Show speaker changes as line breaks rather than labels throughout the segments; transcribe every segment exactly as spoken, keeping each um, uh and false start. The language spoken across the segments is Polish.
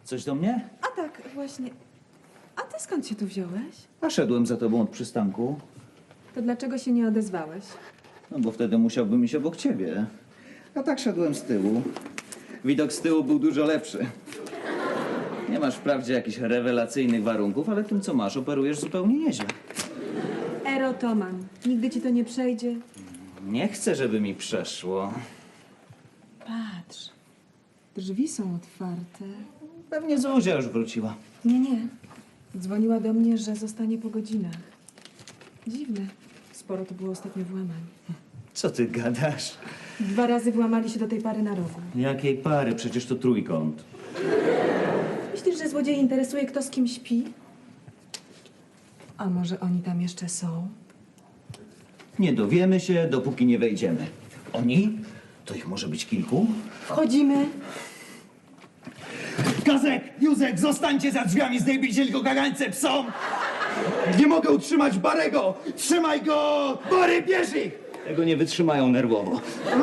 Coś do mnie?
A tak, właśnie. A ty skąd się tu wziąłeś?
A szedłem za tobą od przystanku.
To dlaczego się nie odezwałeś?
No bo wtedy musiałbym iść obok ciebie. A tak szedłem z tyłu. Widok z tyłu był dużo lepszy. Nie masz wprawdzie jakichś rewelacyjnych warunków, ale tym, co masz, operujesz zupełnie nieźle.
Erotoman. Nigdy ci to nie przejdzie.
Nie chcę, żeby mi przeszło.
Patrz. Drzwi są otwarte.
Pewnie Zuzia już wróciła.
Nie, nie. Dzwoniła do mnie, że zostanie po godzinach. Dziwne. Sporo to było ostatnio włamań.
Co ty gadasz?
Dwa razy włamali się do tej pary na rogu.
Jakiej pary? Przecież to trójkąt.
Myślisz, że złodziej interesuje, kto z kim śpi? A może oni tam jeszcze są?
Nie dowiemy się, dopóki nie wejdziemy. Oni? To ich może być kilku?
Wchodzimy.
Kazek, Józek, zostańcie za drzwiami, zdejmijcie tylko kagańce psom! Nie mogę utrzymać Barego! Trzymaj go! Bary, bierz ich! Tego nie wytrzymają nerwowo.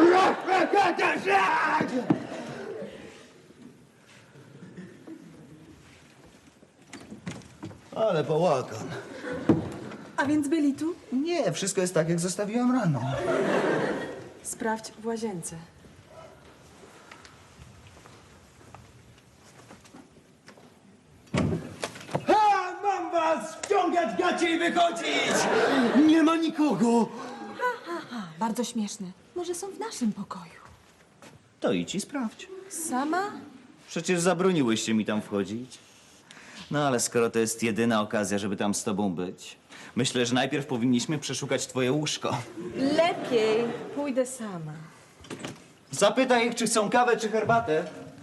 Ale bałagan.
A więc byli tu?
Nie, wszystko jest tak, jak zostawiłem rano.
Sprawdź w łazience.
Ha! Mam was! Wciągać gacie i wychodzić! Nie ma nikogo!
Bardzo śmieszne. Może są w naszym pokoju.
To idź i sprawdź.
Sama?
Przecież zabroniłyście mi tam wchodzić. No ale skoro to jest jedyna okazja, żeby tam z tobą być, myślę, że najpierw powinniśmy przeszukać twoje łóżko.
Lepiej pójdę sama.
Zapytaj ich, czy chcą kawę, czy herbatę.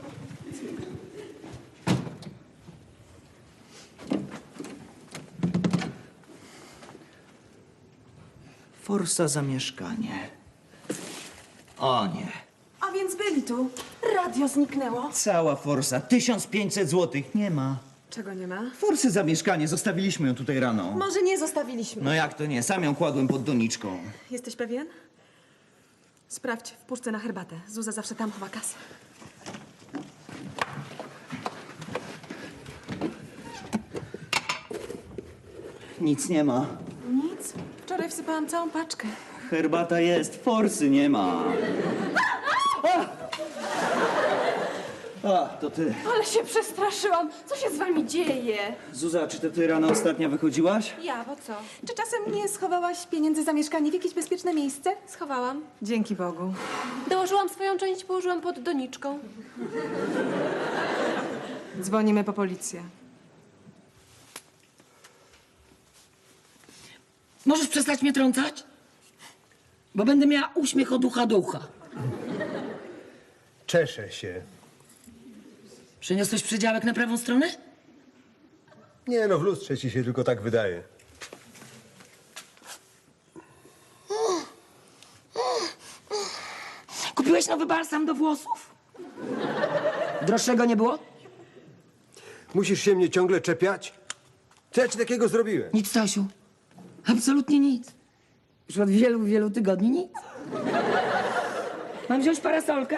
Forsa za mieszkanie. O nie.
A więc byli tu. Radio zniknęło.
Cała forsa. tysiąc pięćset złotych. Nie ma.
Czego nie ma?
Forsy za mieszkanie. Zostawiliśmy ją tutaj rano.
Może nie zostawiliśmy.
No jak to nie? Sam ją kładłem pod doniczką.
Jesteś pewien? Sprawdź w puszce na herbatę. Zuza zawsze tam chowa kasę.
Nic nie ma.
Nic. Wczoraj wsypałam całą paczkę.
Herbata jest, forsy nie ma. A! A, to ty.
Ale się przestraszyłam. Co się z wami dzieje?
Zuza, czy to ty rano ostatnio wychodziłaś?
Ja, bo co?
Czy czasem nie schowałaś pieniędzy za mieszkanie w jakieś bezpieczne miejsce?
Schowałam.
Dzięki Bogu.
Dołożyłam swoją część, położyłam pod doniczką.
Dzwonimy po policję.
Możesz przestać mnie trącać? Bo będę miała uśmiech od ucha do ucha.
Czeszę się.
Przeniosłeś przedziałek na prawą stronę?
Nie no, w lustrze ci się tylko tak wydaje.
Kupiłeś nowy balsam do włosów? Droższego nie było?
Musisz się mnie ciągle czepiać? Co ja ci takiego zrobiłem?
Nic, Stasiu. Absolutnie nic. Już od wielu, wielu tygodni nic. Mam wziąć parasolkę?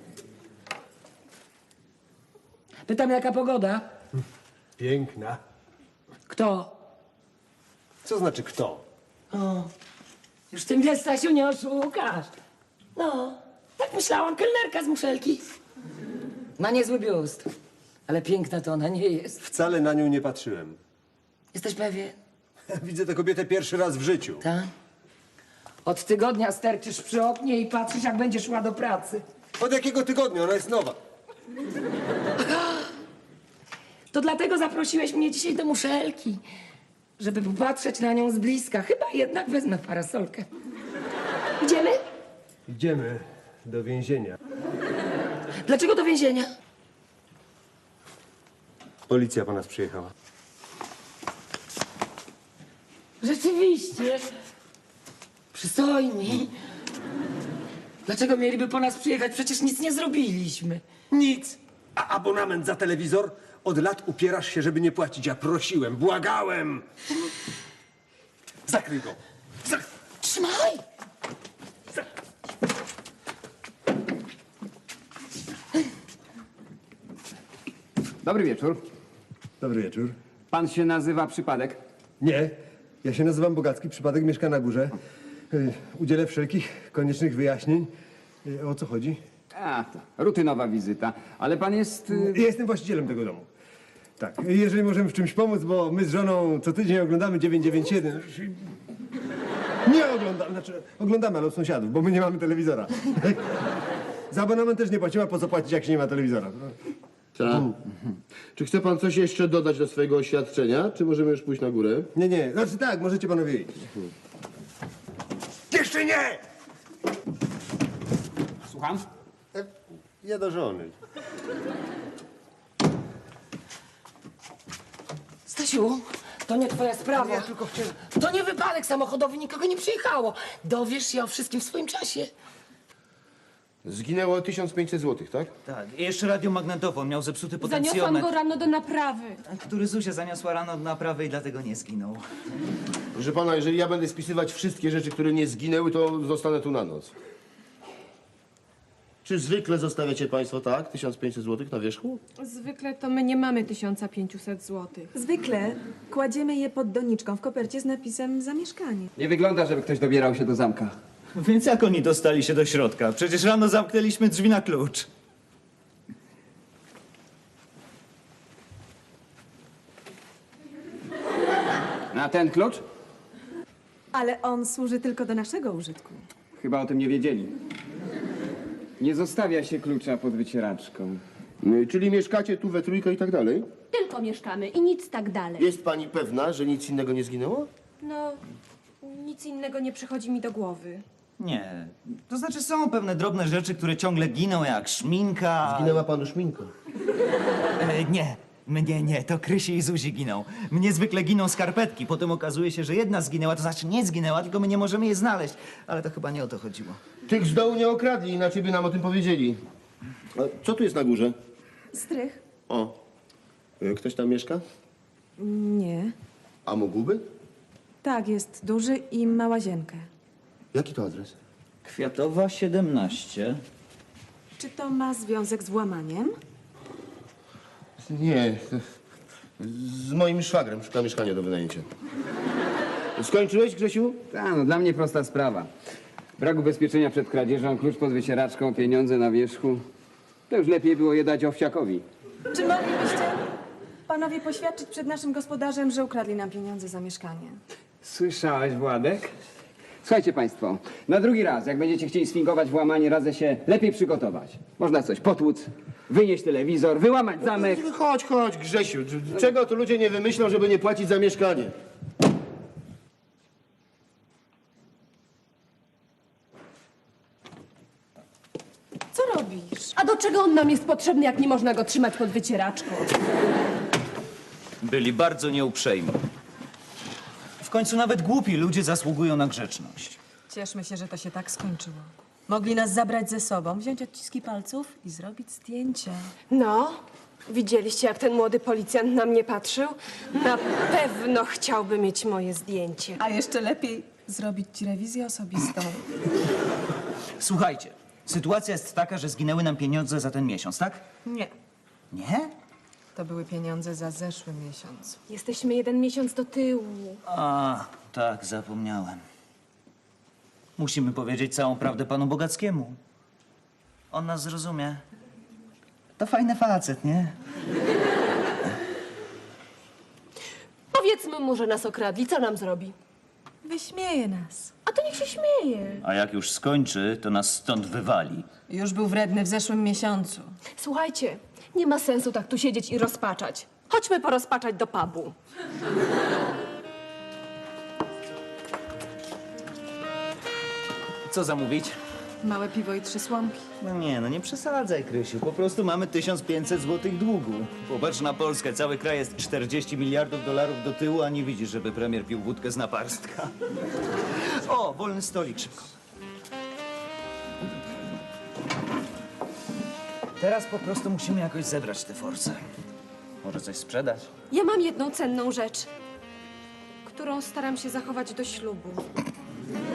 Pytam, jaka pogoda?
Piękna.
Kto?
Co znaczy kto?
O, już ty mnie, Stasiu, nie oszukasz. No, tak myślałam, kelnerka z muszelki. Ma niezły biust, ale piękna to ona nie jest.
Wcale na nią nie patrzyłem.
Jesteś pewien?
Widzę tę kobietę pierwszy raz w życiu.
Tak? Od tygodnia sterczysz przy oknie i patrzysz, jak będzie szła do pracy.
Od jakiego tygodnia? Ona jest nowa.
To dlatego zaprosiłeś mnie dzisiaj do muszelki, żeby popatrzeć na nią z bliska. Chyba jednak wezmę parasolkę. Idziemy?
Idziemy do więzienia.
Dlaczego do więzienia?
Policja po nas przyjechała.
Rzeczywiście. Przystojni. Dlaczego mieliby po nas przyjechać? Przecież nic nie zrobiliśmy.
Nic. A abonament za telewizor? Od lat upierasz się, żeby nie płacić. Ja prosiłem, błagałem. Zakryj go. Zak-
Trzymaj!
Dobry wieczór.
Dobry wieczór.
Pan się nazywa Przypadek?
Nie, ja się nazywam Bogacki, przypadek mieszka na górze. Y, Udzielę wszelkich koniecznych wyjaśnień. Y, O co chodzi?
A, to rutynowa wizyta. Ale pan jest... y,
Ja jestem właścicielem tego domu. Tak, jeżeli możemy w czymś pomóc, bo my z żoną co tydzień oglądamy dziewięćset dziewięćdziesiąt jeden. Nie oglądamy, znaczy oglądamy, ale od sąsiadów, bo my nie mamy telewizora. Za abonament też nie płacimy, a po co płacić, jak się nie ma telewizora?
Tak. Czy chce pan coś jeszcze dodać do swojego oświadczenia, czy możemy już pójść na górę?
Nie, nie, znaczy tak, możecie panowie iść. Jeszcze nie!
Słucham?
Ja do żony.
Stasiu, to nie twoja sprawa.
Ja tylko chciałem...
To nie wypadek samochodowy, nikogo nie przyjechało. Dowiesz się o wszystkim w swoim czasie.
Zginęło tysiąc pięćset złotych, tak?
Tak, i jeszcze radiomagnetofon miał zepsuty
Zaniosłam
potencjometr,
go rano do naprawy.
który Zuzia zaniosła rano do naprawy i dlatego nie zginął.
Proszę pana, jeżeli ja będę spisywać wszystkie rzeczy, które nie zginęły, to zostanę tu na noc. Czy zwykle zostawiacie państwo tak, tysiąc pięćset złotych na wierzchu?
Zwykle to my nie mamy tysiąc pięćset złotych.
Zwykle kładziemy je pod doniczką w kopercie z napisem zamieszkanie.
Nie wygląda, żeby ktoś dobierał się do zamka.
Więc jak oni dostali się do środka? Przecież rano zamknęliśmy drzwi na klucz.
Na ten klucz?
Ale on służy tylko do naszego użytku.
Chyba o tym nie wiedzieli. Nie zostawia się klucza pod wycieraczką.
Y, Czyli mieszkacie tu we trójkę i tak dalej?
Tylko mieszkamy i nic tak dalej.
Jest pani pewna, że nic innego nie zginęło?
No, nic innego nie przychodzi mi do głowy.
Nie. To znaczy są pewne drobne rzeczy, które ciągle giną, jak szminka.
Zginęła panu szminka.
E, nie. Mnie nie, to Krysi i Zuzi giną. Mnie zwykle giną skarpetki. Potem okazuje się, że jedna zginęła, to znaczy nie zginęła, tylko my nie możemy jej znaleźć. Ale to chyba nie o to chodziło.
Tych z dołu nie okradli, inaczej by nam o tym powiedzieli. A co tu jest na górze?
Strych?
O, y, ktoś tam mieszka?
Nie.
A mógłby?
Tak, jest duży i ma łazienkę.
Jaki to adres?
Kwiatowa siedemnaście.
Czy to ma związek z włamaniem?
Nie, z moim szwagrem szuka mieszkania do wynajęcia. Skończyłeś, Grzesiu?
Ta, no dla mnie prosta sprawa. Brak ubezpieczenia przed kradzieżą, klucz pod wycieraczką, pieniądze na wierzchu. To już lepiej było je dać owsiakowi.
Czy moglibyście panowie poświadczyć przed naszym gospodarzem, że ukradli nam pieniądze za mieszkanie?
Słyszałeś, Władek? Słuchajcie państwo, na drugi raz, jak będziecie chcieli sfingować włamanie, radzę się lepiej przygotować. Można coś potłuc, wynieść telewizor, wyłamać zamek.
Chodź, chodź, Grzesiu. Czego tu ludzie nie wymyślą, żeby nie płacić za mieszkanie?
Co robisz?
A do czego on nam jest potrzebny, jak nie można go trzymać pod wycieraczką?
Byli bardzo nieuprzejmi. W końcu nawet głupi ludzie zasługują na grzeczność.
Cieszmy się, że to się tak skończyło. Mogli nas zabrać ze sobą, wziąć odciski palców i zrobić zdjęcie.
No, widzieliście, jak ten młody policjant na mnie patrzył? Na pewno chciałby mieć moje zdjęcie.
A jeszcze lepiej zrobić ci rewizję osobistą.
Słuchajcie, sytuacja jest taka, że zginęły nam pieniądze za ten miesiąc, tak?
Nie,
Nie?
to były pieniądze za zeszły miesiąc.
Jesteśmy jeden miesiąc do tyłu.
A, tak, zapomniałem. Musimy powiedzieć całą prawdę panu Bogackiemu. On nas zrozumie. To fajny facet, nie?
Powiedzmy mu, że nas okradli. Co nam zrobi?
Wyśmieje nas.
A to niech się śmieje.
A jak już skończy, to nas stąd wywali.
Już był wredny w zeszłym miesiącu.
Słuchajcie, nie ma sensu tak tu siedzieć i rozpaczać. Chodźmy porozpaczać do pubu.
Co zamówić?
Małe piwo i trzy słomki.
No nie, no nie przesadzaj, Krysiu. Po prostu mamy tysiąc pięćset złotych długu. Popatrz na Polskę. Cały kraj jest czterdzieści miliardów dolarów do tyłu, a nie widzisz, żeby premier pił wódkę z naparstka. O, wolny stolik, szybko. Teraz po prostu musimy jakoś zebrać te force. Może coś sprzedać?
Ja mam jedną cenną rzecz, którą staram się zachować do ślubu.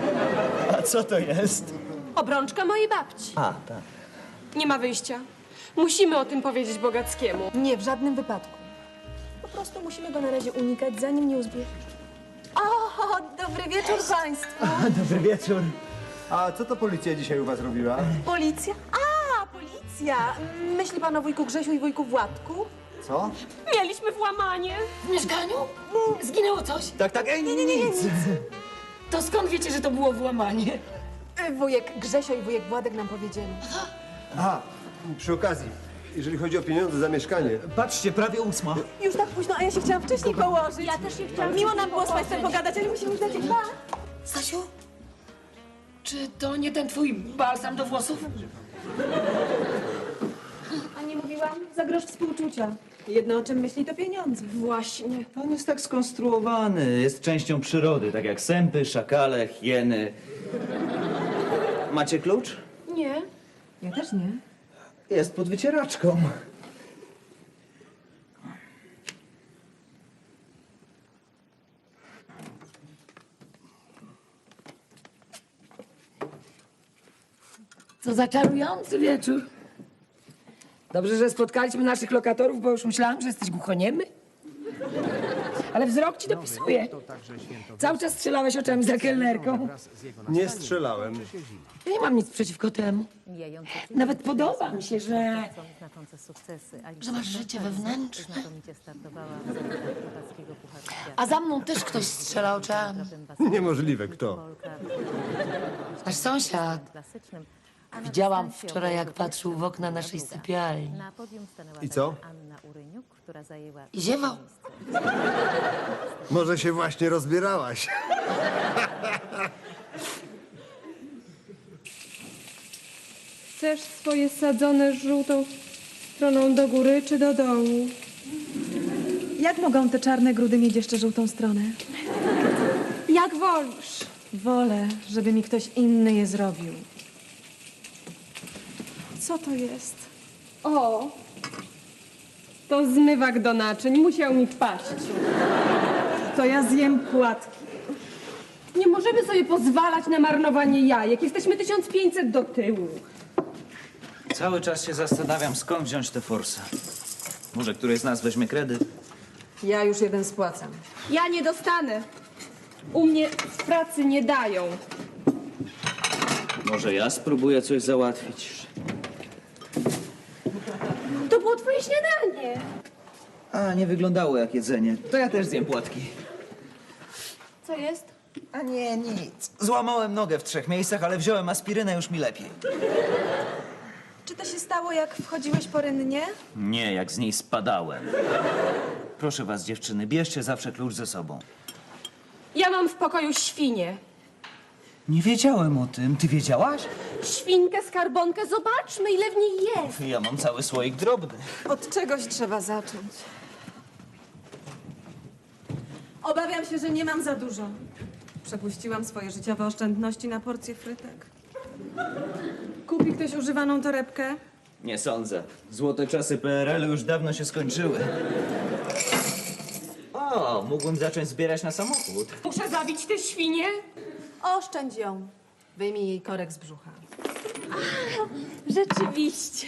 A co to jest?
Obrączka mojej babci.
A, tak.
Nie ma wyjścia. Musimy o tym powiedzieć Bogackiemu.
Nie, w żadnym wypadku. Po prostu musimy go na razie unikać, zanim nie uzbie... O, dobry wieczór państwu.
Dobry wieczór.
A co to policja dzisiaj u was robiła?
Policja? A, policja! Myśli pan o wujku Grzesiu i wujku Władku?
Co?
Mieliśmy włamanie.
W mieszkaniu? Mm, Zginęło coś?
Tak, tak, ej, nie, nie, nie, nic.
To skąd wiecie, że to było włamanie?
Y, Wujek Grzesio i wujek Władek nam powiedzieli.
A, przy okazji, jeżeli chodzi o pieniądze za mieszkanie,
Patrzcie, prawie ósma.
Już tak późno, a ja się chciałam wcześniej położyć. Ja też się chciałam. Miło nam było z państwem pogadać, ale musimy już lecieć. Pa!
Stasiu? Czy to nie ten twój balsam do włosów?
A nie mówiłam? Za grosz współczucia. Jedno, o czym myśli, to pieniądze.
Właśnie.
On jest tak skonstruowany, jest częścią przyrody, tak jak sępy, szakale, hieny. Macie klucz?
Nie.
Ja też nie.
Jest pod wycieraczką.
Co za czarujący wieczór. Dobrze, że spotkaliśmy naszych lokatorów, bo już myślałam, że jesteś głuchoniemy. Ale wzrok ci dopisuje. Cały czas strzelałeś oczami za kelnerką.
nie strzelałem.
Ja nie mam nic przeciwko temu.
Mijające
Nawet podoba mi się, że,
znaczące sukcesy.
że masz życie wewnętrzne.
Znakomicie startowała w zawodach chłopackiego Pucharu Świata.
A za mną też ktoś strzela oczami.
Niemożliwe, kto?
Polka
Nasz sąsiad.
klasycznym. A na
Widziałam
dystansie
wczoraj, jak
obowiązku
patrzył w okna naszej
Druga.
sypialni.
Na podium stanęła
I co?
także Anna Uryniuk, która zajęła
I ziewał.
miejsce.
Może się właśnie rozbierałaś.
Chcesz swoje sadzone żółtą stroną do góry czy do dołu?
Jak mogą te czarne grudy mieć jeszcze żółtą stronę?
Jak wolisz.
Wolę, żeby mi ktoś inny je zrobił. Co to jest?
O, to zmywak do naczyń. Musiał mi wpaść.
To ja zjem płatki.
Nie możemy sobie pozwalać na marnowanie jajek. Jesteśmy tysiąc pięćset do tyłu.
Cały czas się zastanawiam, skąd wziąć tę forsę. Może któryś z nas weźmie kredyt?
Ja już jeden spłacam.
Ja nie dostanę. U mnie w pracy nie dają.
Może ja spróbuję coś załatwić?
To było twoje śniadanie.
A, nie wyglądało jak jedzenie. To ja też zjem płatki.
Co jest?
A nie, nic. Złamałem nogę w trzech miejscach, ale wziąłem aspirynę, już mi lepiej.
Czy to się stało, jak wchodziłeś porynnie?
Nie, jak z niej spadałem. Proszę was, dziewczyny, bierzcie zawsze klucz ze sobą.
Ja mam w pokoju świnię.
Nie wiedziałem o tym. Ty wiedziałaś?
Świnkę, skarbonkę. Zobaczmy, ile w niej jest.
Ja mam cały słoik drobny.
Od czegoś trzeba zacząć. Obawiam się, że nie mam za dużo. Przepuściłam swoje życiowe oszczędności na porcję frytek. Kupi ktoś używaną torebkę?
Nie sądzę. Złote czasy P R L-u już dawno się skończyły. O, mógłbym zacząć zbierać na samochód.
Muszę zabić tę świnię.
Oszczędź ją. Wyjmij jej korek z brzucha.
Rzeczywiście.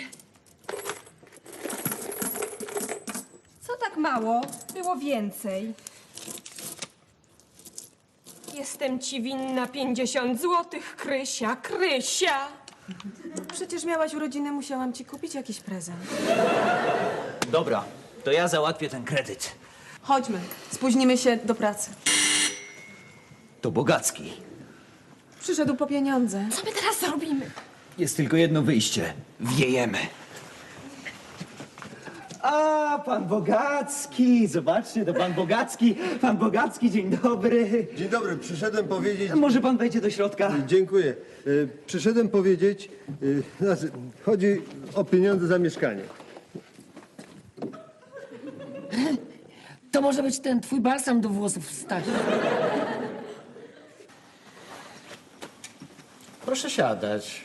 Co tak mało? Było więcej. Jestem ci winna pięćdziesiąt złotych, Krysia, Krysia.
Przecież miałaś urodziny, musiałam ci kupić jakiś prezent.
Dobra, to ja załatwię ten kredyt.
Chodźmy, spóźnimy się do pracy.
To Bogacki.
Przyszedł po pieniądze.
Co my teraz zrobimy?
Jest tylko jedno wyjście. Wiejemy. A, pan Bogacki! Zobaczcie, to pan Bogacki. Pan Bogacki, dzień dobry.
Dzień dobry, przyszedłem powiedzieć...
Może pan wejdzie do środka?
Dziękuję. Y, Przyszedłem powiedzieć, y, znaczy, chodzi o pieniądze za mieszkanie.
To może być ten twój balsam do włosów, Stasiu.
Proszę siadać.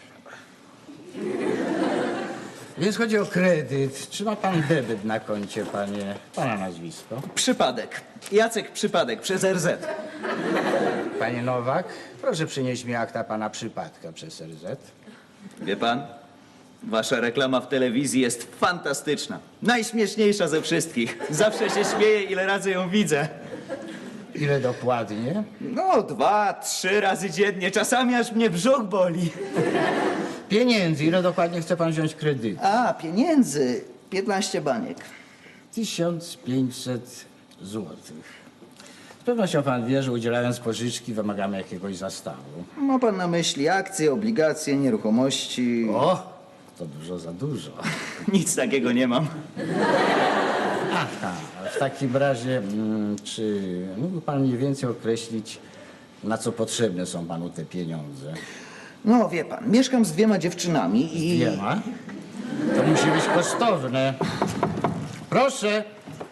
Więc chodzi o kredyt. Czy ma pan debet na koncie, panie? Pana nazwisko?
Przypadek. Jacek Przypadek przez R Z.
Panie Nowak, proszę przynieść mi akta pana przypadka przez R Z.
Wie pan, Wasza reklama w telewizji jest fantastyczna. Najśmieszniejsza ze wszystkich. Zawsze się śmieję, ile razy ją widzę.
Ile dokładnie?
No, dwa, trzy razy dziennie. Czasami aż mnie brzuch boli.
Pieniędzy. Ile dokładnie chce pan wziąć kredyt?
A, pieniędzy. piętnaście baniek.
tysiąc pięćset złotych. Z pewnością pan wie, że udzielając pożyczki wymagamy jakiegoś zastawu.
Ma pan na myśli akcje, obligacje, nieruchomości?
O, to dużo za dużo.
Nic takiego nie mam.
Aha, w takim razie, mm, czy mógłby pan mniej więcej określić, na co potrzebne są panu te pieniądze?
No, wie pan, mieszkam z dwiema dziewczynami i...
Nie ma? To musi być kosztowne. Proszę.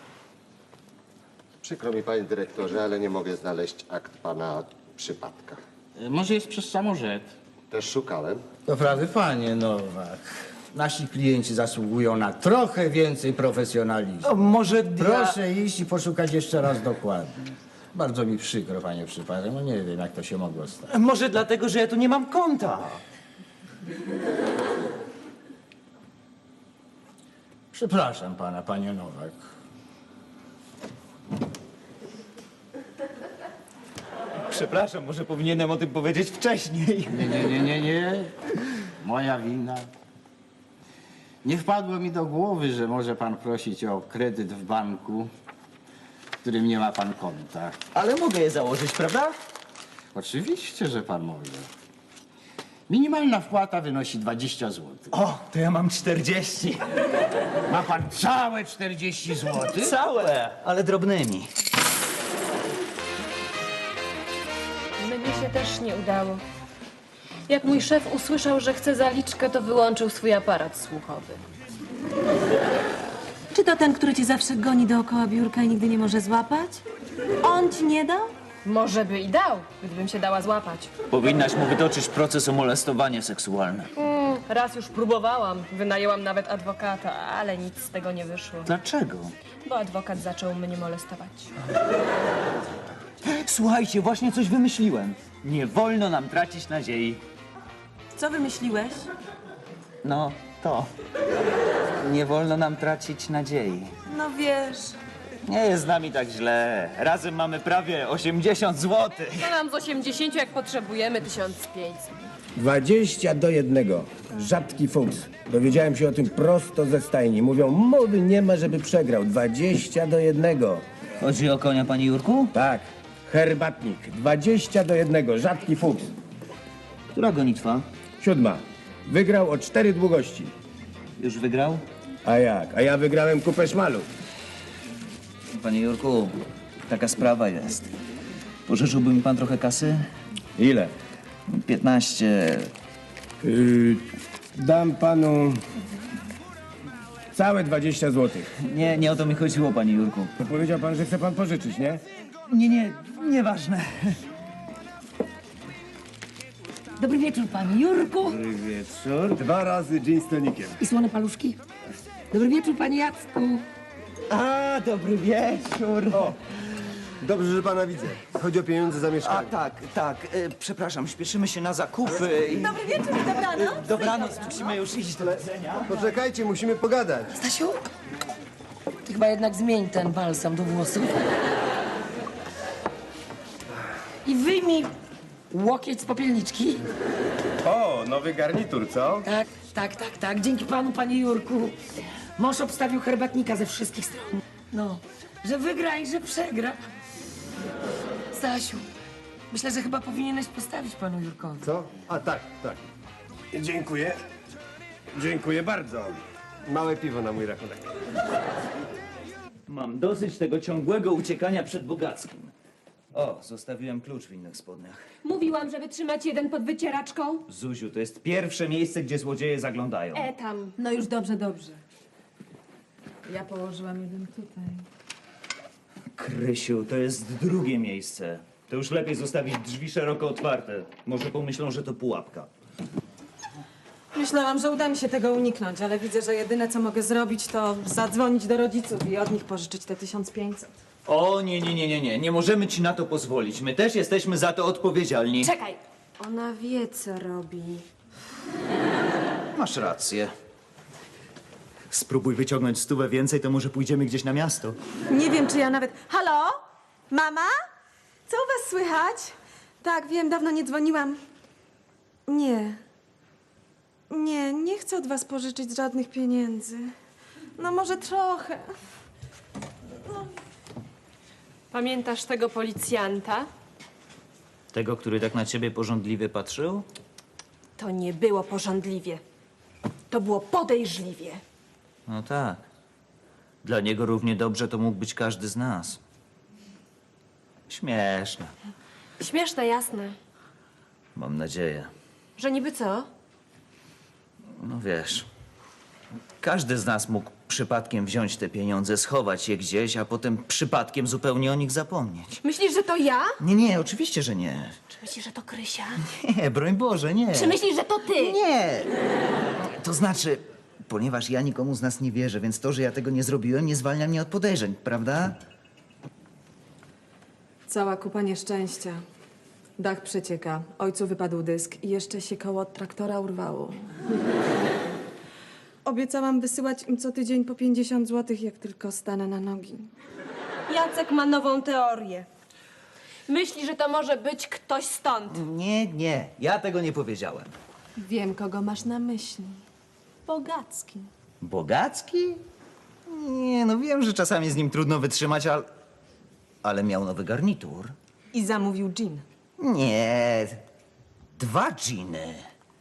Przykro mi, panie dyrektorze, ale nie mogę znaleźć akt pana przypadka.
Może jest przez samorzet?
Też szukałem.
Doprawdy, panie Nowak, nasi klienci zasługują na trochę więcej profesjonalizmu.
O, może dla...
Proszę iść i poszukać jeszcze raz dokładnie. Bardzo mi przykro, panie przypadek, no nie wiem, jak to się mogło stać.
Może dlatego, że ja tu nie mam konta.
Przepraszam pana, panie Nowak.
Przepraszam, może powinienem o tym powiedzieć wcześniej.
Nie, nie, nie, nie, nie. Moja wina. Nie wpadło mi do głowy, że może pan prosić o kredyt w banku, w którym nie ma pan konta.
Ale mogę je założyć, prawda?
Oczywiście, że pan może. Minimalna wpłata wynosi dwadzieścia złotych.
O, to ja mam czterdzieści.
Ma pan całe czterdzieści złotych?
Całe, ale drobnymi.
Mnie się też nie udało. Jak mój szef usłyszał, że chce zaliczkę, to wyłączył swój aparat słuchowy.
Czy to ten, który cię zawsze goni dookoła biurka i nigdy nie może złapać? On ci nie dał?
Może by i dał, gdybym się dała złapać.
Powinnaś mu wytoczyć proces o molestowanie seksualne.
Mm, raz już próbowałam. Wynajęłam nawet adwokata, ale nic z tego nie wyszło.
Dlaczego?
Bo adwokat zaczął mnie molestować.
Słuchajcie, właśnie coś wymyśliłem. Nie wolno nam tracić nadziei.
Co wymyśliłeś?
No, to. Nie wolno nam tracić nadziei.
No wiesz...
Nie jest z nami tak źle. Razem mamy prawie osiemdziesiąt złotych.
Co nam z osiemdziesięciu, jak potrzebujemy tysiąc pięćset?
dwadzieścia do jednego. Rzadki fuks. Dowiedziałem się o tym prosto ze stajni. Mówią, mowy nie ma, żeby przegrał. dwadzieścia do jednego.
Chodzi o konia, panie Jurku?
Tak. Herbatnik. dwadzieścia do jednego. Rzadki fuks.
Która gonitwa?
Siódma. Wygrał o cztery długości.
Już wygrał?
A jak? A ja wygrałem kupę szmalu.
Panie Jurku, taka sprawa jest. Pożyczyłby mi pan trochę kasy?
Ile?
piętnaście.
Yy, dam panu całe dwadzieścia złotych.
Nie, nie o to mi chodziło, panie Jurku.
To powiedział pan, że chce pan pożyczyć, nie?
Nie, nie, nieważne.
Dobry wieczór, panie Jurku.
Dobry wieczór. Dwa razy gin z tonikiem.
I słone paluszki. Dobry wieczór, panie Jacku.
A, dobry wieczór.
O, dobrze, że pana widzę. Chodzi o pieniądze za
A,
mieszkanie.
tak, tak. E, przepraszam, śpieszymy się na zakupy. I...
Dobry wieczór i dobranoc.
Dobranoc, musimy już iść do widzenia.
Poczekajcie, musimy pogadać.
Stasiu, ty chyba jednak zmień ten balsam do włosów. I wyjmij łokieć z popielniczki.
O, nowy garnitur, co?
Tak, tak, tak, tak. Dzięki panu, panie Jurku. Mąż obstawił herbatnika ze wszystkich stron. No, że wygra i że przegra. Stasiu, myślę, że chyba powinieneś postawić panu Jurkowi.
Co? A tak, tak. Dziękuję. Dziękuję bardzo. Małe piwo na mój rachunek.
Mam dosyć tego ciągłego uciekania przed bogackim. O, zostawiłem klucz w innych spodniach.
Mówiłam, żeby trzymać jeden pod wycieraczką.
Zuziu, to jest pierwsze miejsce, gdzie złodzieje zaglądają.
E tam.
No już dobrze, dobrze. Ja położyłam jeden tutaj.
Krysiu, to jest drugie miejsce. To już lepiej zostawić drzwi szeroko otwarte. Może pomyślą, że to pułapka.
Myślałam, że uda mi się tego uniknąć, ale widzę, że jedyne, co mogę zrobić, to zadzwonić do rodziców i od nich pożyczyć te tysiąc pięćset.
O, nie, nie, nie, nie, nie. Nie możemy ci na to pozwolić. My też jesteśmy za to odpowiedzialni.
Czekaj.
Ona wie, co robi.
Masz rację. Spróbuj wyciągnąć stówę więcej, to może pójdziemy gdzieś na miasto.
Nie wiem, czy ja nawet... Halo? Mama? Co u was słychać? Tak, wiem, dawno nie dzwoniłam. Nie. Nie, nie chcę od was pożyczyć żadnych pieniędzy. No może trochę.
Pamiętasz tego policjanta?
Tego, który tak na ciebie pożądliwie patrzył?
To nie było pożądliwie. To było podejrzliwie.
No tak. Dla niego równie dobrze to mógł być każdy z nas. Śmieszne.
Śmieszne, jasne.
Mam nadzieję.
Że niby co?
No wiesz, każdy z nas mógł przypadkiem wziąć te pieniądze, schować je gdzieś, a potem przypadkiem zupełnie o nich zapomnieć.
Myślisz, że to ja?
Nie, nie, oczywiście, że nie.
Czy myślisz, że to Krysia?
Nie, broń Boże, nie.
Czy myślisz, że to ty?
Nie. To znaczy, ponieważ ja nikomu z nas nie wierzę, więc to, że ja tego nie zrobiłem, nie zwalnia mnie od podejrzeń, prawda?
Cała kupa nieszczęścia. Dach przecieka, ojcu wypadł dysk i jeszcze się koło od traktora urwało. Obiecałam wysyłać im co tydzień po pięćdziesiąt złotych, jak tylko stanę na nogi.
Jacek ma nową teorię. Myśli, że to może być ktoś stąd.
Nie, nie, ja tego nie powiedziałem.
Wiem, kogo masz na myśli. Bogacki.
Bogacki? Nie, no wiem, że czasami z nim trudno wytrzymać, ale... Ale miał nowy garnitur.
I zamówił gin.
Nie, dwa dżiny.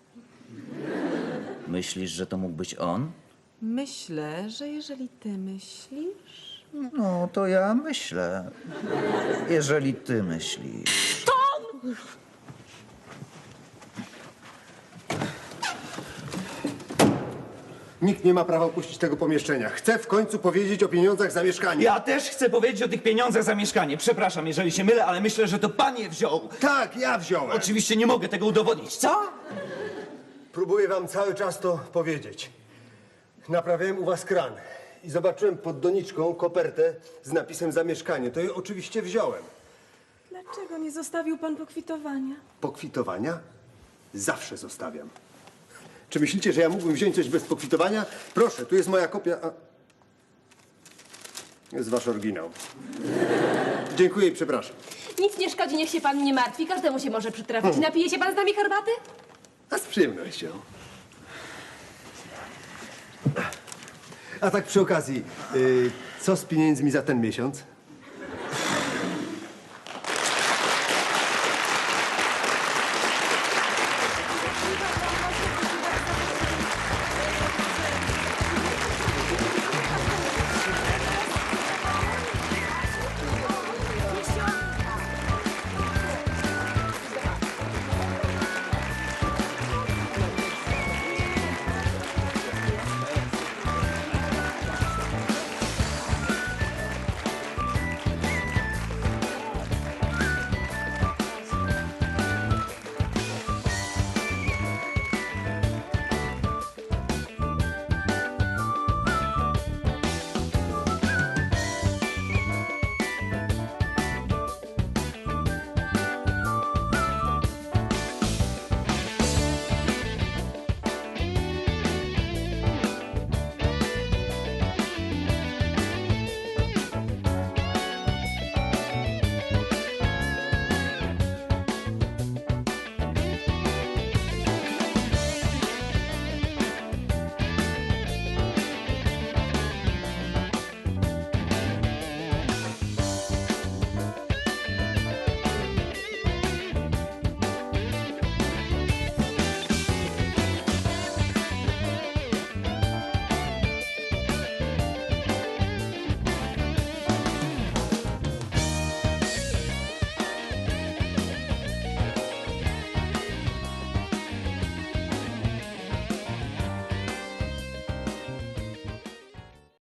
Myślisz, że to mógł być on?
Myślę, że jeżeli ty myślisz...
No, to ja myślę. Jeżeli ty myślisz.
Nikt nie ma prawa opuścić tego pomieszczenia. Chcę w końcu powiedzieć o pieniądzach za mieszkanie.
Ja też chcę powiedzieć o tych pieniądzach za mieszkanie. Przepraszam, jeżeli się mylę, ale myślę, że to pan je wziął.
Tak, ja wziąłem.
Oczywiście nie mogę tego udowodnić. Co?
Próbuję wam cały czas to powiedzieć. Naprawiałem u was kran i zobaczyłem pod doniczką kopertę z napisem za mieszkanie. To je oczywiście wziąłem.
Dlaczego nie zostawił pan pokwitowania?
Pokwitowania zawsze zostawiam. Czy myślicie, że ja mógłbym wziąć coś bez pokwitowania? Proszę, tu jest moja kopia. A... Jest wasz oryginał. Dziękuję i przepraszam.
Nic nie szkodzi, niech się pan nie martwi. Każdemu się może przytrafić. Napije się pan z nami herbaty?
A z przyjemnością. A tak przy okazji, y, co z pieniędzmi za ten miesiąc?